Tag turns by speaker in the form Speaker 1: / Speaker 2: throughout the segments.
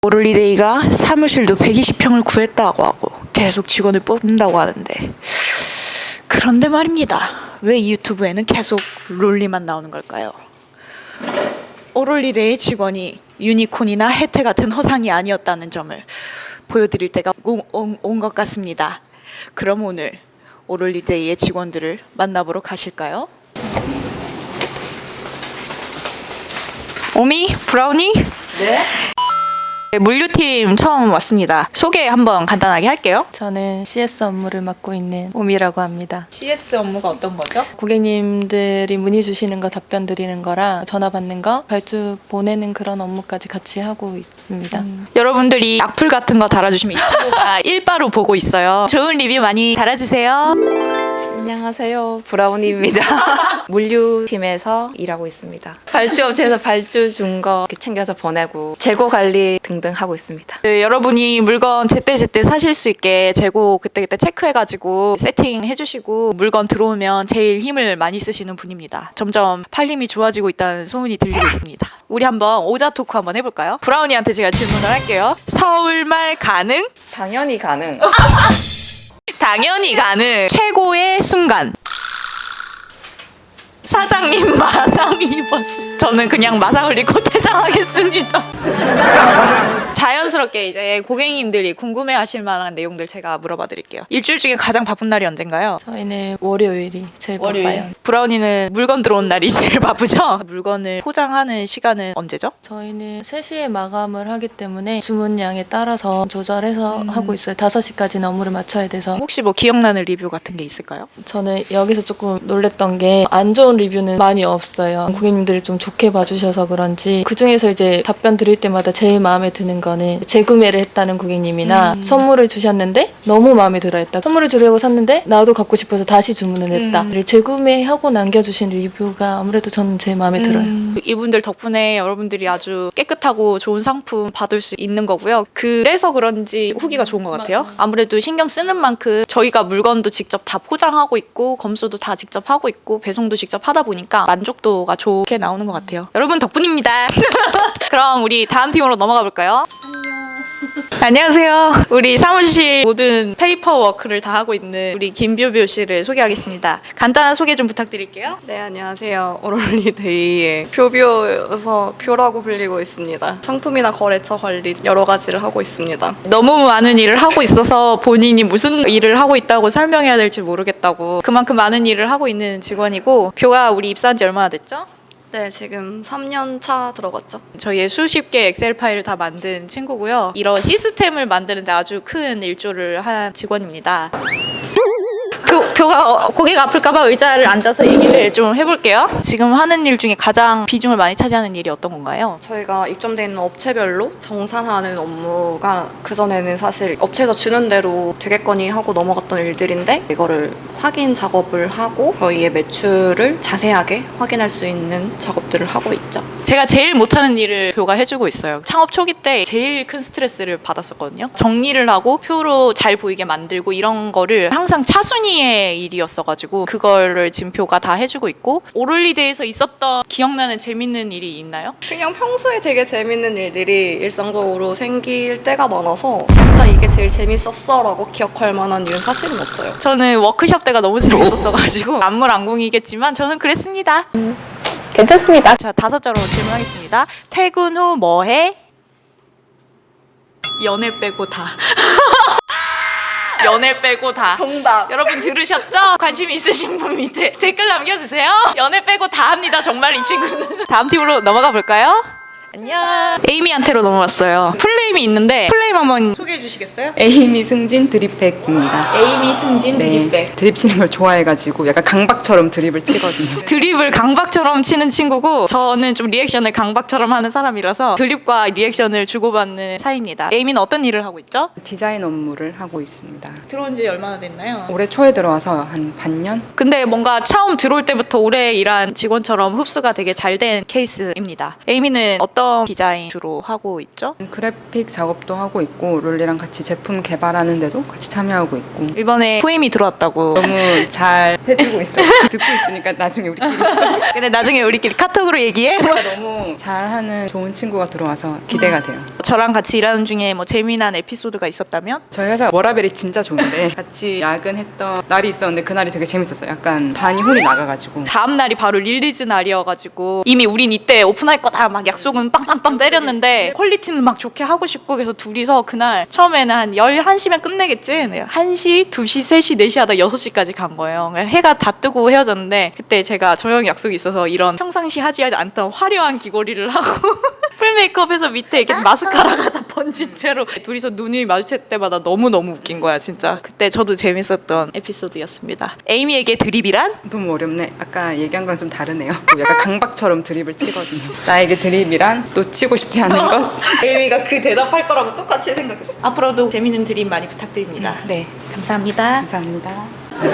Speaker 1: 오롤리데이가 사무실도 120평을 구했다고 하고 계속 직원을 뽑는다고 하는데, 그런데 말입니다. 왜 이 유튜브에는 계속 롤리만 나오는 걸까요? 오롤리데이 직원이 유니콘이나 혜태 같은 허상이 아니었다는 점을 보여드릴 때가 온 것 같습니다. 그럼 오늘 오롤리데이의 직원들을 만나보러 가실까요? 오미? 브라우니?
Speaker 2: 네?
Speaker 1: 물류팀 처음 왔습니다. 소개 한번 간단하게 할게요.
Speaker 2: 저는 CS 업무를 맡고 있는 오미라고 합니다.
Speaker 1: CS 업무가 어떤 거죠?
Speaker 2: 고객님들이 문의 주시는 거 답변 드리는 거랑 전화 받는 거, 발주 보내는 그런 업무까지 같이 하고 있습니다.
Speaker 1: 여러분들이 악플 같은 거 달아주시면 이 친구가 일바로 보고 있어요. 좋은 리뷰 많이 달아주세요.
Speaker 3: 안녕하세요. 브라운입니다. 물류팀에서 일하고 있습니다. 발주업체에서 발주 준 거 챙겨서 보내고 재고 관리 등등 하고 있습니다.
Speaker 1: 네, 여러분이 물건 제때제때 사실 수 있게 재고 그때그때 체크해가지고 세팅해주시고 물건 들어오면 제일 힘을 많이 쓰시는 분입니다. 점점 팔림이 좋아지고 있다는 소문이 들리고 있습니다. 우리 한번 오자 토크 한번 해볼까요? 브라우니한테 제가 질문을 할게요. 서울말 가능?
Speaker 3: 당연히 가능.
Speaker 1: 당연히 가능. 최고의 순간. 사장님 마상 입었어. 저는 그냥 마상을 입고 퇴장하겠습니다. 자연스럽게 이제 고객님들이 궁금해하실 만한 내용들 제가 물어봐 드릴게요. 일주일 중에 가장 바쁜 날이 언젠가요?
Speaker 2: 저희는 월요일이 제일 바빠요.
Speaker 1: 브라운이는 물건 들어온 날이 제일 바쁘죠? 물건을 포장하는 시간은 언제죠?
Speaker 2: 저희는 3시에 마감을 하기 때문에 주문량에 따라서 조절해서 하고 있어요. 5시까지는 업무를 마쳐야 돼서.
Speaker 1: 혹시 뭐 기억나는 리뷰 같은 게 있을까요?
Speaker 2: 저는 여기서 조금 놀랬던 게 안 좋은 리뷰는 많이 없어요. 고객님들이 좀 좋게 봐주셔서 그런지 그중에서 이제 답변 드릴 때마다 제일 마음에 드는 거는 재구매를 했다는 고객님이나 선물을 주셨는데 너무 마음에 들어했다. 선물을 주려고 샀는데 나도 갖고 싶어서 다시 주문을 했다. 재구매하고 남겨주신 리뷰가 아무래도 저는 제일 마음에 들어요.
Speaker 1: 이분들 덕분에 여러분들이 아주 깨끗하고 좋은 상품 받을 수 있는 거고요. 그래서 그런지 후기가 좋은 것 같아요. 아무래도 신경 쓰는 만큼 저희가 물건도 직접 다 포장하고 있고 검수도 다 직접 하고 있고 배송도 직접 하다 보니까 만족도가 좋게 나오는 것 같아요. 여러분 덕분입니다. 그럼 우리 다음 팀으로 넘어가 볼까요? 안녕하세요. 우리 사무실 모든 페이퍼워크를 다 하고 있는 우리 김뷰뷰 씨를 소개하겠습니다. 간단한 소개 좀 부탁드릴게요.
Speaker 4: 네, 안녕하세요. 오롤리데이의 표비어여서 표라고 불리고 있습니다. 상품이나 거래처 관리 여러 가지를 하고 있습니다.
Speaker 1: 너무 많은 일을 하고 있어서 본인이 무슨 일을 하고 있다고 설명해야 될지 모르겠다고 그만큼 많은 일을 하고 있는 직원이고, 뷰가 우리 입사한 지 얼마나 됐죠?
Speaker 4: 네, 지금 3년 차 들어갔죠.
Speaker 1: 저희의 수십 개 엑셀 파일을 다 만든 친구고요. 이런 시스템을 만드는데 아주 큰 일조를 한 직원입니다. 표가 고개가 아플까봐 의자를 앉아서 얘기를 좀 해볼게요. 지금 하는 일 중에 가장 비중을 많이 차지하는 일이 어떤 건가요?
Speaker 4: 저희가 입점돼 있는 업체별로 정산하는 업무가 그전에는 사실 업체에서 주는 대로 되겠거니 하고 넘어갔던 일들인데, 이거를 확인 작업을 하고 저희의 매출을 자세하게 확인할 수 있는 작업들을 하고 있죠.
Speaker 1: 제가 제일 못하는 일을 표가 해주고 있어요. 창업 초기 때 제일 큰 스트레스를 받았었거든요. 정리를 하고 표로 잘 보이게 만들고 이런 거를 항상 차순위의 일이었어가지고 그거를 지금 표가 다 해주고 있고, 오롤리데이에서 있었던 기억나는 재밌는 일이 있나요?
Speaker 4: 그냥 평소에 되게 재밌는 일들이 일상적으로 생길 때가 많아서 진짜 이게 제일 재밌었어 라고 기억할 만한 일은 사실은 없어요.
Speaker 1: 저는 워크숍 때가 너무 재밌었어가지고 안물안궁이겠지만 저는 그랬습니다.
Speaker 3: 괜찮습니다.
Speaker 1: 자, 5자로 질문하겠습니다. 퇴근 후 뭐해? 연애 빼고 다. 연애 빼고 다.
Speaker 4: 정답.
Speaker 1: 여러분 들으셨죠? 관심 있으신 분 밑에 댓글 남겨주세요. 연애 빼고 다 합니다. 정말 이 친구는. 다음 팀으로 넘어가 볼까요? 안녕. 에이미한테로 넘어왔어요. 플레임이 있는데 플레임 한번 소개해 주시겠어요?
Speaker 5: 에이미 승진 드립백입니다.
Speaker 1: 에이미 승진 드립백.
Speaker 5: 드립 치는 걸 좋아해가지고 약간 강박처럼 드립을 치거든요.
Speaker 1: 드립을 강박처럼 치는 친구고, 저는 좀 리액션을 강박처럼 하는 사람이라서 드립과 리액션을 주고받는 사이입니다. 에이미는 어떤 일을 하고 있죠?
Speaker 5: 디자인 업무를 하고 있습니다.
Speaker 1: 들어온 지 얼마나 됐나요?
Speaker 5: 올해 초에 들어와서 한 반년?
Speaker 1: 근데 뭔가 처음 들어올 때부터 오래 일한 직원처럼 흡수가 되게 잘 된 케이스입니다. 에이미는 어떤 어떤 디자인 주로 하고 있죠?
Speaker 5: 그래픽 작업도 하고 있고 롤리랑 같이 제품 개발하는 데도 같이 참여하고 있고
Speaker 1: 이번에 후임이 들어왔다고.
Speaker 5: 너무 잘 해주고 있어요. 듣고 있으니까 나중에 우리끼리
Speaker 1: 근데 나중에 우리끼리 카톡으로 얘기해.
Speaker 5: 너무 잘하는 좋은 친구가 들어와서 기대가 돼요.
Speaker 1: 저랑 같이 일하는 중에 뭐 재미난 에피소드가 있었다면?
Speaker 5: 저희 회사 워라벨이 진짜 좋은데 같이 야근했던 날이 있었는데 그날이 되게 재밌었어요. 약간 반이 혼이 나가가지고
Speaker 1: 다음 날이 바로 릴리즈 날이어가지고 이미 우린 이때 오픈할 거다 막 약속은 빵빵빵 때렸는데 퀄리티는 막 좋게 하고 싶고 그래서 둘이서 그날 처음에는 한 11시면 끝내겠지? 네, 1시, 2시, 3시, 4시 하다 6시까지 간 거예요. 해가 다 뜨고 헤어졌는데 그때 제가 저녁 약속이 있어서 이런 평상시 하지 않던 화려한 귀걸이를 하고 풀 메이크업해서 밑에 이렇게 마스카라가 다 번진 채로 둘이서 눈이 마주칠 때마다 너무너무 웃긴 거야 진짜. 그때 저도 재밌었던 에피소드였습니다. 에이미에게 드립이란?
Speaker 5: 너무 어렵네. 아까 얘기한 거랑 좀 다르네요. 약간 강박처럼 드립을 치거든요. 나에게 드립이란 또 치고 싶지 않은 것?
Speaker 1: 에이미가 그 대답할 거라고 똑같이 생각했어. 앞으로도 재밌는 드립 많이 부탁드립니다.
Speaker 5: 네,
Speaker 1: 감사합니다.
Speaker 5: 감사합니다.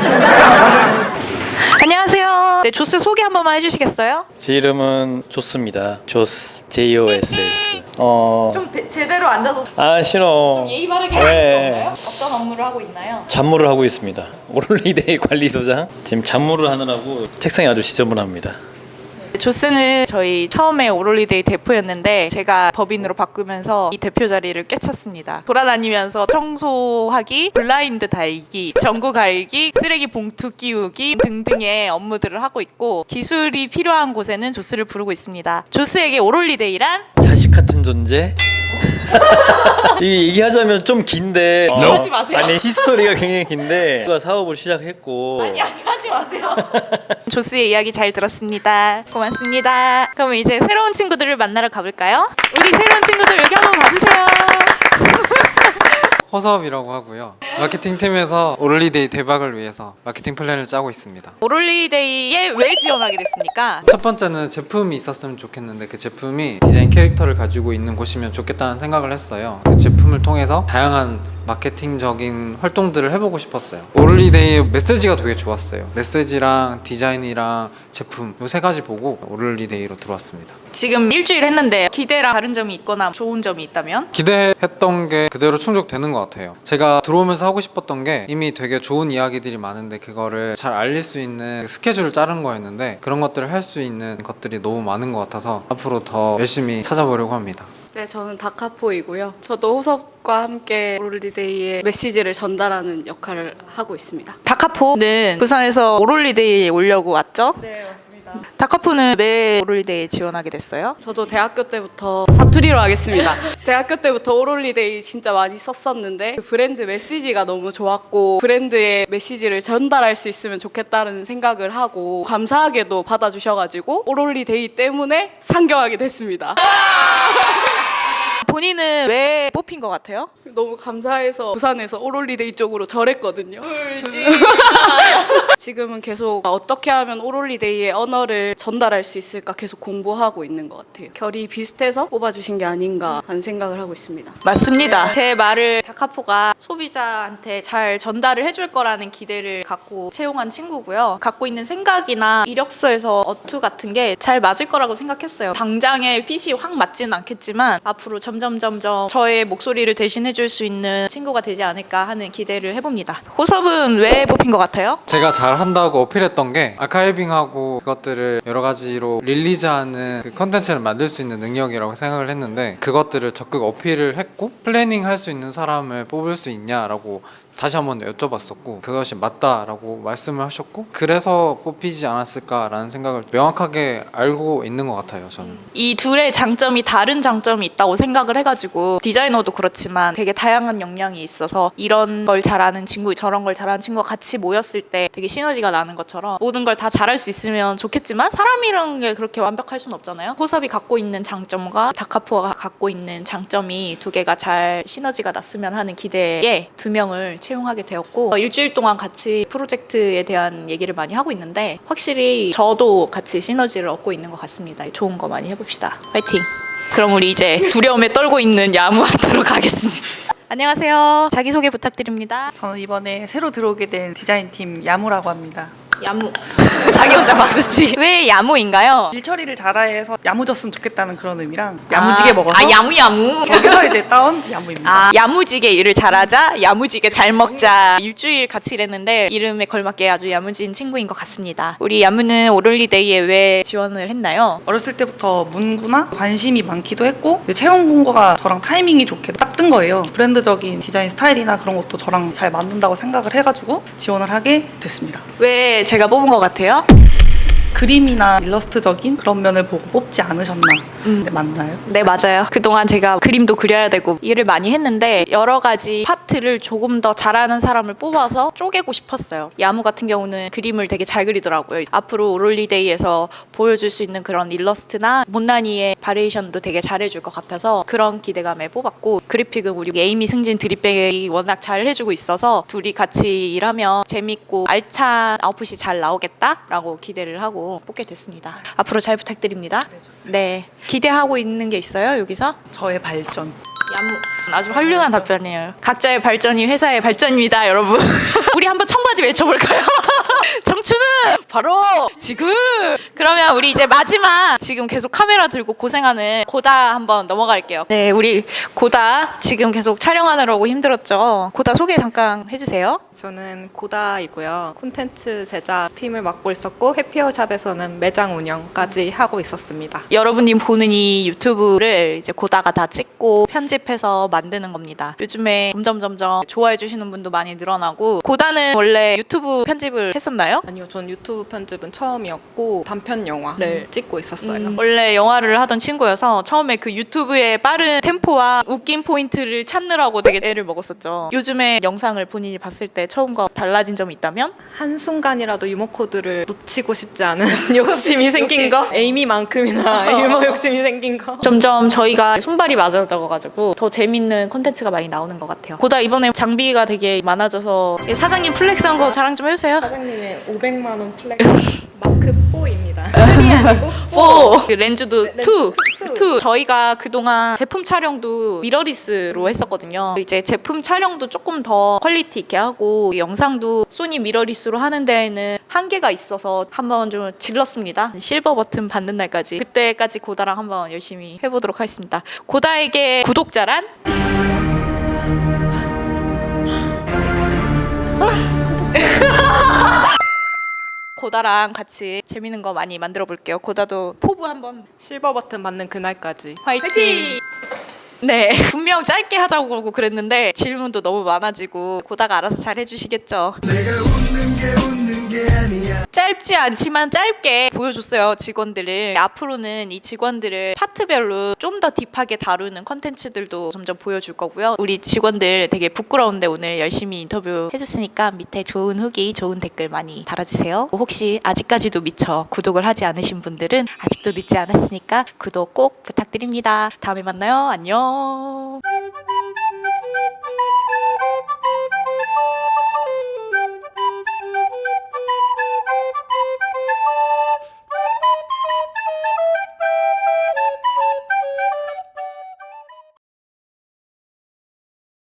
Speaker 1: 안녕하세요. 네, 조스 소개 한 번만 해주시겠어요?
Speaker 6: 제 이름은 조스입니다. 조스, JOSS.
Speaker 1: 좀 제대로 앉아서
Speaker 6: 싫어.
Speaker 1: 예의 바르게
Speaker 6: 왜?
Speaker 1: 할 수 없나요? 어떤 업무를 하고 있나요?
Speaker 6: 잡무를 하고 있습니다. 오롤리데이 관리소장. 지금 잡무를 하느라고 책상이 아주 지저분합니다.
Speaker 1: 조스는 저희 처음에 오롤리데이 대표였는데 제가 법인으로 바꾸면서 이 대표 자리를 꿰찼습니다. 돌아다니면서 청소하기, 블라인드 달기, 전구 갈기, 쓰레기 봉투 끼우기 등등의 업무들을 하고 있고 기술이 필요한 곳에는 조스를 부르고 있습니다. 조스에게 오롤리데이란?
Speaker 6: 자식 같은 존재. 이 얘기하자면 좀 긴데
Speaker 1: 하지 마세요.
Speaker 6: 아니 히스토리가 굉장히 긴데 누가 사업을 시작했고
Speaker 1: 아니 하지 마세요. 조스의 이야기 잘 들었습니다. 고맙습니다. 그럼 이제 새로운 친구들을 만나러 가볼까요? 우리 새로운 친구들 여기 한번 봐주세요.
Speaker 7: 허섭이라고 하고요. 마케팅 팀에서 오롤리데이 대박을 위해서 마케팅 플랜을 짜고 있습니다.
Speaker 1: 오롤리데이에 왜 지원하게 됐습니까?
Speaker 7: 첫 번째는 제품이 있었으면 좋겠는데 그 제품이 디자인 캐릭터를 가지고 있는 곳이면 좋겠다는 생각을 했어요. 그 제품을 통해서 다양한 마케팅적인 활동들을 해보고 싶었어요. 오롤리데이의 메시지가 되게 좋았어요. 메시지랑 디자인이랑 제품 이 세 가지 보고 오롤리데이로 들어왔습니다.
Speaker 1: 지금 일주일 했는데 기대랑 다른 점이 있거나 좋은 점이 있다면?
Speaker 7: 기대했던 게 그대로 충족되는 것 같아요. 제가 들어오면서 하고 싶었던 게 이미 되게 좋은 이야기들이 많은데 그거를 잘 알릴 수 있는 스케줄을 자른 거였는데 그런 것들을 할 수 있는 것들이 너무 많은 것 같아서 앞으로 더 열심히 찾아보려고 합니다.
Speaker 8: 네, 저는 다카포이고요. 저도 호섭과 함께 오롤리데이의 메시지를 전달하는 역할을 하고 있습니다.
Speaker 1: 다카포는 부산에서 오롤리데이에 오려고 왔죠?
Speaker 8: 네, 맞습니다.
Speaker 1: 다카포는 왜 오롤리데이에 지원하게 됐어요?
Speaker 8: 저도 대학교 때부터 사투리로 하겠습니다. 대학교 때부터 오롤리데이 진짜 많이 썼었는데 그 브랜드 메시지가 너무 좋았고 브랜드의 메시지를 전달할 수 있으면 좋겠다는 생각을 하고 감사하게도 받아주셔가지고 오롤리데이 때문에 상경하게 됐습니다.
Speaker 1: 본인은 왜 뽑힌 것 같아요?
Speaker 8: 너무 감사해서 부산에서 오롤리데이 쪽으로 절했거든요. 지금은 계속 어떻게 하면 오롤리데이의 언어를 전달할 수 있을까 계속 공부하고 있는 것 같아요. 결이 비슷해서 뽑아주신 게 아닌가 하는 생각을 하고 있습니다.
Speaker 1: 맞습니다. 제 말을 다카포가 소비자한테 잘 전달을 해줄 거라는 기대를 갖고 채용한 친구고요. 갖고 있는 생각이나 이력서에서 어투 같은 게 잘 맞을 거라고 생각했어요. 당장에 핏이 확 맞지는 않겠지만 앞으로 점점 저의 목소리를 대신해줄 수 있는 친구가 되지 않을까 하는 기대를 해봅니다. 호섭은 왜 뽑힌 것 같아요?
Speaker 7: 제가 잘한다고 어필했던 게 아카이빙하고 그것들을 여러 가지로 릴리즈하는 그 컨텐츠를 만들 수 있는 능력이라고 생각을 했는데 그것들을 적극 어필을 했고 플래닝 할 수 있는 사람을 뽑을 수 있냐라고 다시 한번 여쭤봤었고 그것이 맞다라고 말씀을 하셨고 그래서 뽑히지 않았을까라는 생각을 명확하게 알고 있는 것 같아요. 저는
Speaker 1: 이 둘의 장점이 다른 장점이 있다고 생각을 해가지고 디자이너도 그렇지만 되게 다양한 역량이 있어서 이런 걸 잘하는 친구 저런 걸 잘하는 친구가 같이 모였을 때 되게 시너지가 나는 것처럼 모든 걸 다 잘할 수 있으면 좋겠지만 사람이라는 게 그렇게 완벽할 수는 없잖아요. 호섭이 갖고 있는 장점과 다카포가 갖고 있는 장점이 두 개가 잘 시너지가 났으면 하는 기대에 두 명을 채용하게 되었고 일주일 동안 같이 프로젝트에 대한 얘기를 많이 하고 있는데 확실히 저도 같이 시너지를 얻고 있는 것 같습니다. 좋은 거 많이 해봅시다. 화이팅! 그럼 우리 이제 두려움에 떨고 있는 야무한테로 가겠습니다. 안녕하세요. 자기소개 부탁드립니다.
Speaker 9: 저는 이번에 새로 들어오게 된 디자인팀 야무라고 합니다.
Speaker 1: 야무. 자기 혼자 박수치. 왜 야무인가요?
Speaker 9: 일 처리를 잘해서 야무졌으면 좋겠다는 그런 의미랑 야무지게 먹어서
Speaker 1: 야무.
Speaker 9: 거기서 이제 따온 야무입니다.
Speaker 1: 아, 야무지게 일을 잘하자, 야무지게 잘 먹자. 일주일 같이 일했는데 이름에 걸맞게 아주 야무진 친구인 것 같습니다. 우리 야무는 오롤리데이에 왜 지원을 했나요?
Speaker 9: 어렸을 때부터 문구나 관심이 많기도 했고 채용 공고가 저랑 타이밍이 좋게 딱 뜬 거예요. 브랜드적인 디자인 스타일이나 그런 것도 저랑 잘 맞는다고 생각을 해가지고 지원을 하게 됐습니다.
Speaker 1: 왜 제가 뽑은 것 같아요?
Speaker 9: 그림이나 일러스트적인 그런 면을 보고 뽑지 않으셨나. 네, 맞나요?
Speaker 1: 네, 맞아요. 그동안 제가 그림도 그려야 되고 일을 많이 했는데 여러 가지 파트를 조금 더 잘하는 사람을 뽑아서 쪼개고 싶었어요. 야무 같은 경우는 그림을 되게 잘 그리더라고요. 앞으로 오롤리데이에서 보여줄 수 있는 그런 일러스트나 못난이의 바리에이션도 되게 잘해줄 것 같아서 그런 기대감에 뽑았고, 그래픽은 우리 에이미, 승진, 드립백이 워낙 잘 해주고 있어서 둘이 같이 일하면 재밌고 알찬 아웃풋이 잘 나오겠다라고 기대를 하고 뽑게 됐습니다. 앞으로 잘 부탁드립니다. 네. 기대하고 있는 게 있어요, 여기서?
Speaker 9: 저의 발전.
Speaker 1: 야무. 아주 훌륭한 답변이에요. 각자의 발전이 회사의 발전입니다, 여러분. 우리 한번 청바지 외쳐볼까요? 청춘은 바로 지금. 그러면 우리 이제 마지막, 지금 계속 카메라 들고 고생하는 고다 한번 넘어갈게요. 네, 우리 고다 지금 계속 촬영하느라고 힘들었죠. 고다 소개 잠깐 해주세요.
Speaker 10: 저는 고다이고요. 콘텐츠 제작 팀을 맡고 있었고 해피어샵에서는 매장 운영까지 하고 있었습니다.
Speaker 1: 여러분이 보는 이 유튜브를 이제 고다가 다 찍고 편집해서 만드는 겁니다. 요즘에 점점 좋아해 주시는 분도 많이 늘어나고, 고다는 원래 유튜브 편집을 했었나요?
Speaker 10: 아니요, 전 유튜브 편집은 처음이었고 단편 영화를 찍고 있었어요.
Speaker 1: 원래 영화를 하던 친구여서 처음에 그 유튜브의 빠른 템포와 웃긴 포인트를 찾느라고 되게 애를 먹었었죠. 요즘에 영상을 본인이 봤을 때 처음과 달라진 점이 있다면?
Speaker 10: 한순간이라도 유머 코드를 놓치고 싶지 않은 욕심이 생긴 거? 에이미만큼이나 유머 욕심이 생긴 거?
Speaker 1: 점점 저희가 손발이 맞아져가지고 더 재밌는 콘텐츠가 많이 나오는 것 같아요. 고다 이번에 장비가 되게 많아져서 사장님 플렉스한 거 자랑 좀 해주세요.
Speaker 10: 사장님의 500만 원 플렉스 마크 4입니다.
Speaker 1: 그 렌즈도
Speaker 10: 네,
Speaker 1: 투. 저희가 그동안 제품 촬영도 미러리스로 했었거든요. 이제 제품 촬영도 조금 더 퀄리티 있게 하고 영상도 소니 미러리스로 하는 데에는 한계가 있어서 한번 좀 질렀습니다. 실버 버튼 받는 날까지. 그때까지 고다랑 한번 열심히 해보도록 하겠습니다. 고다에게 구독자란? 고다랑 같이 재밌는 거 많이 만들어 볼게요. 고다도 포부 한번.
Speaker 10: 실버 버튼 받는 그날까지 화이팅!
Speaker 1: 네, 분명 짧게 하자고 그러고 그랬는데 질문도 너무 많아지고 고다가 알아서 잘 해주시겠죠. 짧지 않지만 짧게 보여줬어요, 직원들을. 앞으로는 이 직원들을 파트별로 좀 더 딥하게 다루는 컨텐츠들도 점점 보여줄 거고요. 우리 직원들 되게 부끄러운데 오늘 열심히 인터뷰 해줬으니까 밑에 좋은 후기, 좋은 댓글 많이 달아주세요. 혹시 아직까지도 미처 구독을 하지 않으신 분들은 아직도 늦지 않았으니까 구독 꼭 부탁드립니다. 다음에 만나요. 안녕.